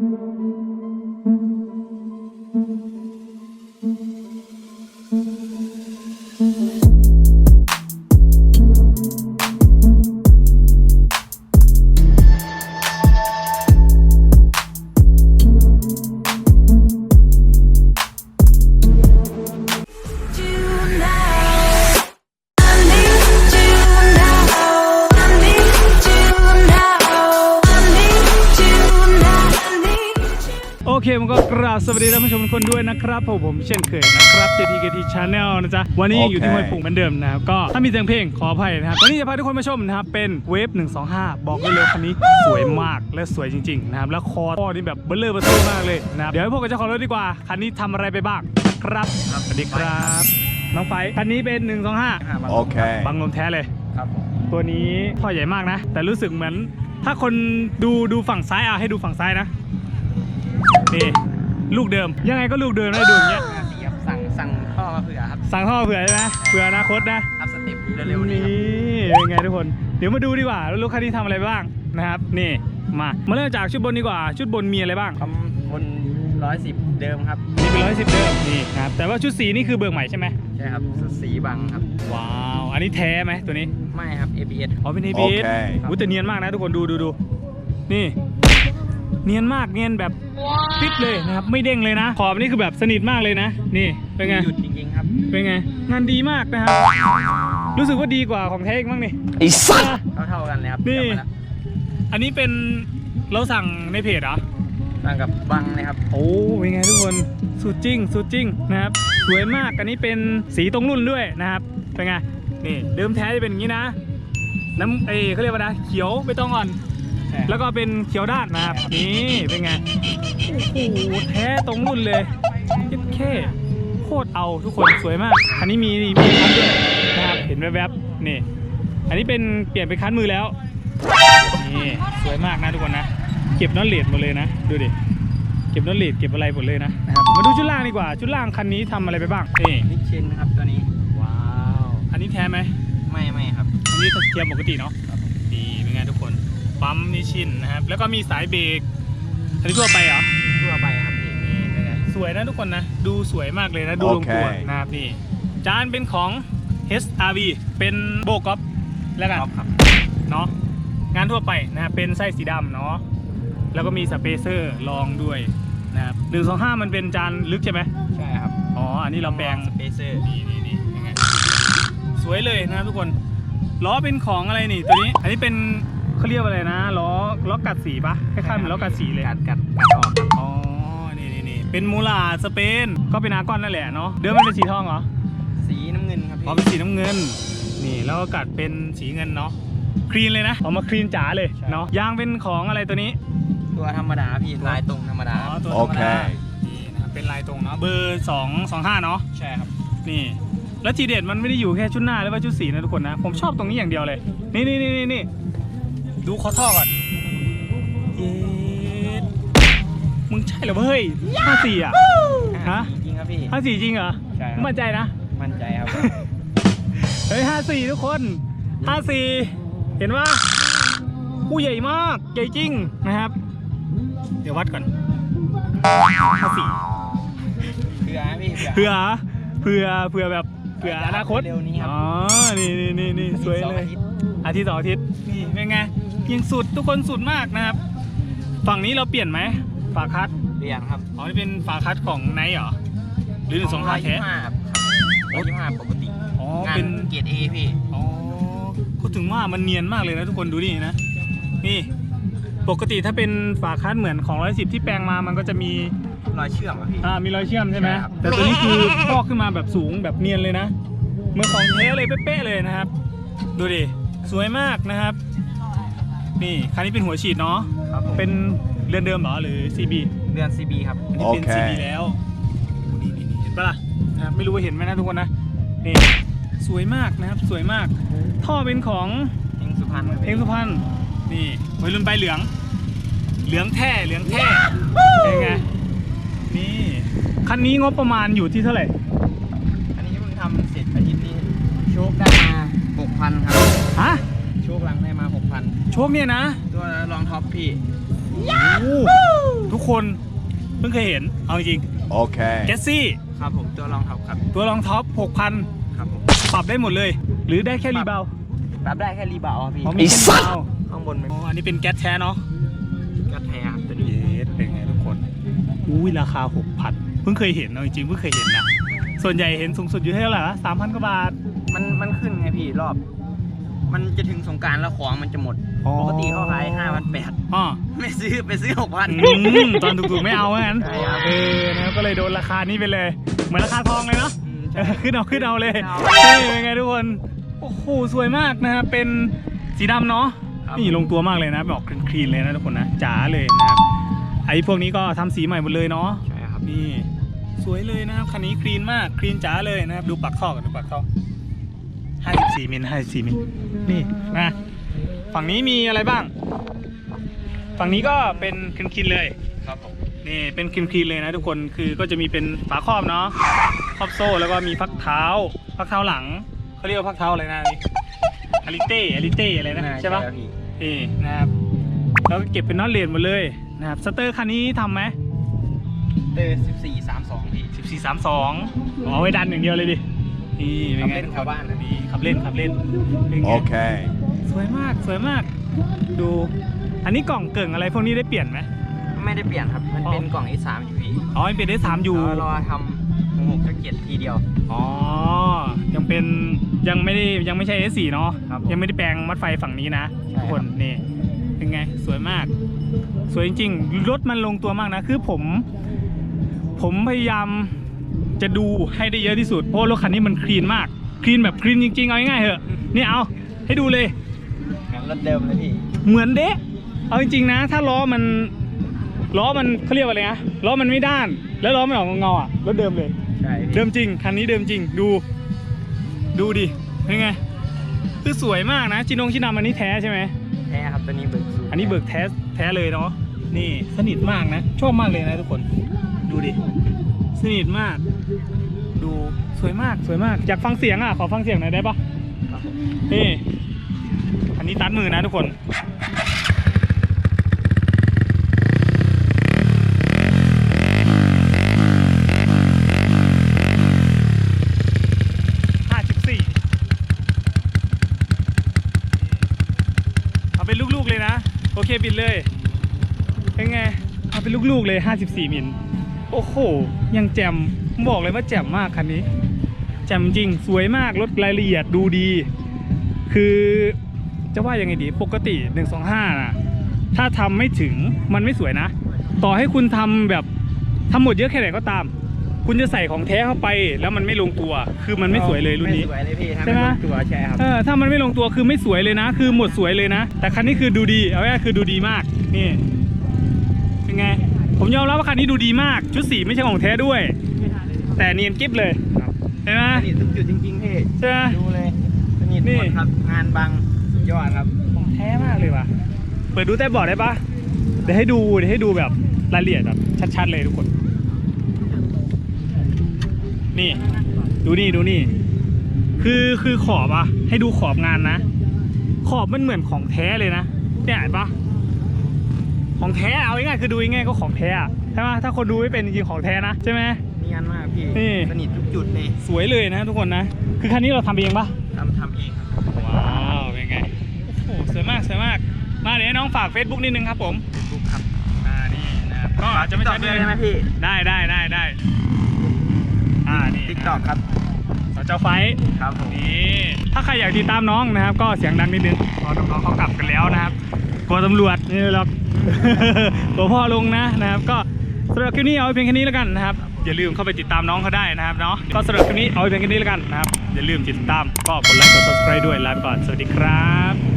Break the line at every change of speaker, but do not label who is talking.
โอเคมันก็กราบสวัสดีท่านผู้ชมทุกคนด้วยนะครับผมเช่นเคยนะครับ JTKT Channel นะจ๊ะวันนี้ยังอยู่ที่ห้วยปุ่งเหมือนเดิมนะครับก็ถ้ามีเสียงเพลงขออภัยนะครับวันนี้จะพาทุกคนมาชมนะครับเป็นเวฟ125บอกเลยคันนี้สวยมากและสวยจริงๆนะครับแล้วคอนี่แบบเบลเลอร์เบอร์ซื้อมากเลยนะครับเดี๋ยวให้พวกกับเจ้าของรถดีกว่าคันนี้ทำอะไรไปบ้างครับสวัสดีครับน้องไฟคันนี้เป็น125
โอเค
บังลมแท้เลย
ครับ
ตัวนี้ท่อใหญ่มากนะแต่รู้สึกเหมือนถ้าคนดูฝั่งซ้ายให้ดูฝั่งซ้ายนะนี่ลูกเดิมยังไงก็ลูกเดิมได้ดูอย่างเงี้ย
สั่งท่อมาเผื่อครับ
สั่งท่อเผื่อใช่ไหมเผื่ออนาคตนะ
อัพสเต็ปเร็วๆนี้
เป็นไงทุกคนเดี๋ยวมาดูดีกว่ารถคันนี้ทำอะไรบ้างนะครับนี่มาเริ่มจากชุดบนดีกว่าชุดบนมีอะไรบ้าง
บน110เดิมครับ
นี่เป็น110เดิมนี่นะครับแต่ว่าชุดสีนี่คือเบิกใหม่ใช่ไหม
ใช่ครับชุดสีบังครับ
ว้าวอันนี้แท้ไหมตัวนี้
ไม่ครับ ABS
อ๋อเป็น ABS แต่เนียนมากนะทุกคนดูนี่เนียนมากเนียนแบบฟิตเลยนะครับไม่เด้งเลยนะขอบนี่คือแบบสนิทมากเลยนะนี่เป็นไง
หยุดจริงๆครับ
เป็นไงงานดีมากนะครับรู้สึกว่าดีกว่าของแท้อีกมั้งนี่
ไอ้สัส
เท่ากันเลยครับ
นี่อันนี้เป็นเราสั่งในเพจเหรอ
สั่งกับบังเลยครับ
โอ้เป็นไงทุกคนสุดจริงนะครับสวยมากอันนี้เป็นสีตรงรุ่นด้วยนะครับเป็นไงนี่เดิมแท้จะเป็นอย่างนี้นะน้ำเขาเรียกว่านะเขียวไม่ต้องอ่อนแล้วก็เป็นเขียวด้านนะครับนี่เป็นไงโอ้โหแท้ตรงรุ่นเลยแค่โคตรเอาทุกคนสวยมากอันนี้มีคันด้วยนะครับเห็นแวบๆนี่อันนี้เป็นเปลี่ยนเป็นคันมือแล้วนี่สวยมากนะทุกคนนะเก็บน็อตเลดหมดเลยนะดูดิเก็บน็อตเลดเก็บอะไรหมดเลยนะครับมาดูชุดล่างดีกว่าชุดล่างคันนี้ทำอะไรไปบ้างนี่
นิชชินครับตัวนี้
ว้าวอันนี้แท้ไหม
ไม่ครับ
อันนี้เทียมปกติเนาะดีเป็นไงทุกคนปั๊มนิชชินนะครับแล้วก็มีสายเบรกอันนี้ทั่วไปเหรอ
ทั่วไปครับนี่เป็นไง
สวยนะทุกคนนะดูสวยมากเลยนะดูลงตัวนะครับนี่จานเป็นของ HRV เป็นโบก๊อปแล้วกันเนาะงานทั่วไปนะครับเป็นไส้สีดำเนาะแล้วก็มีสเปเซอร์รองด้วยนะครับ125มันเป็นจานลึกใช่ไหม
ใช่ครับ
อ๋ออันนี้เราแปลง
สเปเซอร์
นี่ยังไงสวยเลยนะทุกคนล้อเป็นของอะไรนี่ตัวนี้อันนี้เป็นเขาเรียกว่าอะไรนะล้อกัดสีปะคล้ายๆเหมือนล้อกัดสีเลย
กัดออก
อ๋อนี่เป็นมูลาสเปนก็เป็นอาร์กอนนั่นแหละเนาะเดิมมันเป็นสีทองเหรอ
สีน้ำเงินครับ
อ๋อเป็นสีน้ำเงินนี่แล้วก็กัดเป็นสีเงินเนาะคลีนเลยนะออกมาคลีนจ๋าเลยเนาะยางเป็นของอะไรตัวนี้
ตัวธรรมดาพี่ลายตรงธรรมดา
อ๋อตัวธรรมดานี่นะเป็นลายตรงเนาะเบอร์225เนาะ
ใช่ครับ
นี่แล้วทีเด็ดมันไม่ได้อยู่แค่ชุดหน้าหรือว่าชุดสีนะทุกคนนะผมชอบตรงนี้อย่างเดียวเลยนี่ดูคอท่อก่อนเย้มึงใช่เหรอเฮ้ย54อ่ะ
ฮะจริงครับพี่
54จริงเหรอ
ใช่
มั่นใจนะ
มั่นใจครับ
เฮ้ย54ทุกคน54เห็นว่าผู้ใหญ่มากใหญ่จริงนะครับเดี๋ยววัดก่อน54
เผื่อ
แบบเผื่ออนาคต
เร็วนี้ครับ
อ๋อนี่สวยเลยอาทิตย์2 อาทิตย์นี่เป็นไงยิงสุดทุกคนสุดมากนะครับฝั่งนี้เราเปลี่ยนไหมฝาคัส
เปลี่ยนครับ
อ๋อนี่เป็นฝาคัสของไนท์เหรอหรือ125แท้
125ปกติ
อ๋อเป็น
เกรด A พี่
อ๋อพูดถึงว่ามันเนียนมากเลยนะทุกคนดูนี่นะนี่ปกติถ้าเป็นฝาคัสเหมือนของ110ที่แปลงมามันก็จะมี
รอยเชื่อมอ่ะพี่
มีรอยเชื่อมใช่ไหมแต่ตัวนี้คือพอกขึ้นมาแบบสูงแบบเนียนเลยนะเหมือนของแท้เลยเป๊ะๆเลยนะครับดูดิสวยมากนะครับนี่คันนี้เป็นหัวฉีดเนาะเป็นเรือนเดิมเหรอหรือ CB
เรือน CB ครับ
อันนี้เป็น CB แล้วนี่เห็นปะล่ะไม่รู้ว่าเห็นไหมนะทุกคนนะนี่สวยมากนะครับสวยมากท่อเป็นของ
เฮงสุพรรณ
นี่วัยรุ่นใบเหลืองแท้เป็นไงนี่คันนี้งบประมาณอยู่ที่เท่าไหร่
อันนี้เพิ่งทำเสร็จอาทิตย์นี้โชคได้มา 6,000 ครับ
ฮะ
โชคหลังได้มา 6,000
โชคเนี่ยนะ
ตัวรองท็อปพี่
ทุกคนเพิ่งเคยเห็นเอาจริง
Okay.
แกสซี่
ครับผมตัวรองท็อปครับ
ตัวรองท็อป 6,000
ครับผม
ปรับได้หมดเลย หรือได้แค่รีบาวด์
ปรับได้แค่รีบาวด์พี่
อ๋อมีแค่รีบาวด์
ข้างบนไม่
อ๋ออันนี้เป็นแก๊สแท้เนาะ
ก็แท้ครับตัวนี้
เยสเป็นไงทุกคนอุ้ยราคา 6,000 เพิ่งเคยเห็นเอาจริงๆเพิ่งเคยเห็นนะส่วนใหญ่เห็นสูงสุดอยู่ที่เท่าไหร่นะ3,000 กว่าบาท
มันขึ้นไงพี่รอบ มันจะถึงสงกรานต์แล้วของมันจะหมด
อ๋อ
ปกติเขาขาย5,800
อ๋อ
ไม่ซื้อไปซื้อ
ตอนถูกๆไม่เอางั้น
ใช่ครับ
นะครับก็เลยโดนราคานี้ไปเลย เหมือนราคาทองเลยเนาะ
6,000ใช่
ขึ้นเอาเลย
เอา
เป็นไงทุกคนโอ้โหสวยมากนะครับเป็นสีดำเนาะ
ครับ
นี่ลงตัวมากเลยนะแบบคลีนเลยนะทุกคนนะจ๋าเลยนะครับไอ้พวกนี้ก็ทำสีใหม่หมดเลยเนาะ
ใช่ครับ
นี่สวยเลยนะครับคันนี้คลีนมากคลีนจ๋าเลยนะครับดูปากท่อกันดูปากท่อ54 มิล54 มิลนี่นะฝั่งนี้มีอะไรบ้าง ฝั่งนี้ก็เป็นคลีนๆเลย
ครับผม
นี่เป็นคลีนๆเลยนะทุกคนคือก็จะมีเป็นฝาครอบเนาะครอบโซ่แล้วก็มีพักเท้าหลังเขาเรียกว่าพักเท้าอะไรนะนี่อาริเต้อะไรนะใช่ปะนี่นะครับแล้วก็เก็บเป็นน็อตเลนหมดเลยนะครับสเตอร์คันนี้ทำไหม
1432พี่
1432เอาไว้ดันอย่างเดียวเลยดินี่เป็นไง
ขับเล่นแถวบ้านนะ
นี่ขับเล่นเป็นไง
Okay.
สวยมากดูอันนี้กล่องเกิ่งอะไรพวกนี้ได้เปลี่ยนไหม
ไม่ได้เปลี่ยนครับ มันเป็นกล่อง S3 อยู่พี่
อ๋อยังเป็นได้3อยู่
แล้วรอทำ667ทีเดียว
อ๋อ ยังไม่ใช่ S4 เนาะ
ครับ
ยังไม่ได้แปลงมัดไฟฝั่งนี้นะ
ใช่
ทุกคนนี่เป็นไงสวยมาก สวยจริงๆรถมันลงตัวมากนะคือผมพยายามจะดูให้ได้เยอะที่สุดเพราะรถคันนี้มันคลีนมากคลีนแบบคลีนจริงๆเอาง่ายๆเหอะนี่เอาให้ดูเลย
งั้นรถเดิมเลยพี่
เหมือนเด๊ะเอาจริงๆนะ ถ้าล้อมันเขาเรียกว่าอะไรนะล้อมันไม่ด้าน แล้วล้อมันออกเงาๆอ่ะรถเดิมเลย
ใช่พี่
เดิมจริงคันนี้เดิมจริงดูดิเป็นไงคือสวยมากนะชินดำอันนี้แท้ใช่ไหม
แท้ครับตัวนี้เบิกสูตร
อันนี้เบิกแท้เลยเนาะนี่สนิทมากนะชอบมากเลยนะทุกคนดูดิสนิทมาก ดูสวยมากอยากฟังเสียงอ่ะขอฟังเสียงหน่อยได้ปะ
ครับผม
นี่อันนี้ตัดมือนะทุกคนเอาเป็นลูกๆเลยนะโอเคบิดเลยเป็นไงเอาเป็นลูกๆเลย54 มิลโอ้โหยังแจ่มบอกเลยว่าแจ่มมากคันนี้แจ่มจริงสวยมากรถรายละเอียดดูดี คือจะว่ายังไงดีปกติ125นะถ้าทำไม่ถึงมันไม่สวยนะ ต่อให้คุณทำแบบทำหมดเยอะแค่ไหนก็ตาม คุณจะใส่ของแท้เข้าไปแล้วมันไม่ลงตัวคือมันไม่สวยเลยรุ่นนี้
ไม่สวยเลยพี่
ใช่ไหม
ทำตัวใช่ครับ
ถ้ามันไม่ลงตัวคือไม่สวยเลยนะ คือหมดสวยเลยนะ แต่คันนี้คือดูดีเอาง่ายๆคือดูดีมากนี่เป็นไงผมยอมรับว่าคันนี้ดูดีมากชุดสีไม่ใช่ของแท้ด้วย แต่เนียนกิ๊บเลย
ครับ
ใช่ไหม
สนิททุกจุดจริงๆพี่
ใช่ไหม
ดูเลยสนิท
นี่
หมดครับงานบังสุดยอดครับ
ของแท้มากเลยว่ะเปิดดูใต้เบาะได้ปะเดี๋ยวให้ดูแบบรายละเอียดแบบชัดๆเลยทุกคนนี่ดูนี่คือขอบอะให้ดูขอบงานนะ ขอบมันเหมือนของแท้เลยนะเนี่ยเห็นปะของแท้เอาง่ายๆคือดูง่ายๆก็ของแท้อะใช่ไหมถ้าคนดูไม่เป็นจริงๆของแท้นะใช่ไหม
เนียนมากพี่
นี่
สนิททุกจุดเลย
สวยเลยนะทุกคนนะคือคันนี้เราทำเองปะ
ทำเองครับ
ว้าวเป็นไงโอ้โหสวยมากมาเดี๋ยวให้น้องฝาก Facebook นิดนึงครับผม
บุ๊กครับ
นี่นะครับก็อาจจะไม่
ตอ
ใช่
บเลยใช่ไหมพี่
ได้นี่
ติ๊กต็อกครับ
สเจ้าไฟท์
ครับผม
นี่ถ้าใครอยากติดตามน้องนะครับ ก็เสียงดังนิดนึงเพราะน้องๆเขากลับกันแล้วนะครับกลัวตำรวจนี่หรอก ตัวพ่อลงนะครับก็สำหรับคลิปนี้เอาไว้เพียงแค่นี้แล้วกันนะครับอย่าลืมเข้าไปติดตามน้องเขาได้นะครับเนาะก็สำหรับคลิปนี้เอาไว้เพียงแค่นี้แล้วกันนะครับอย่าลืมติดตามก็กดไลค์กด subscribe ด้วยลาไปก่อนสวัสดีครับ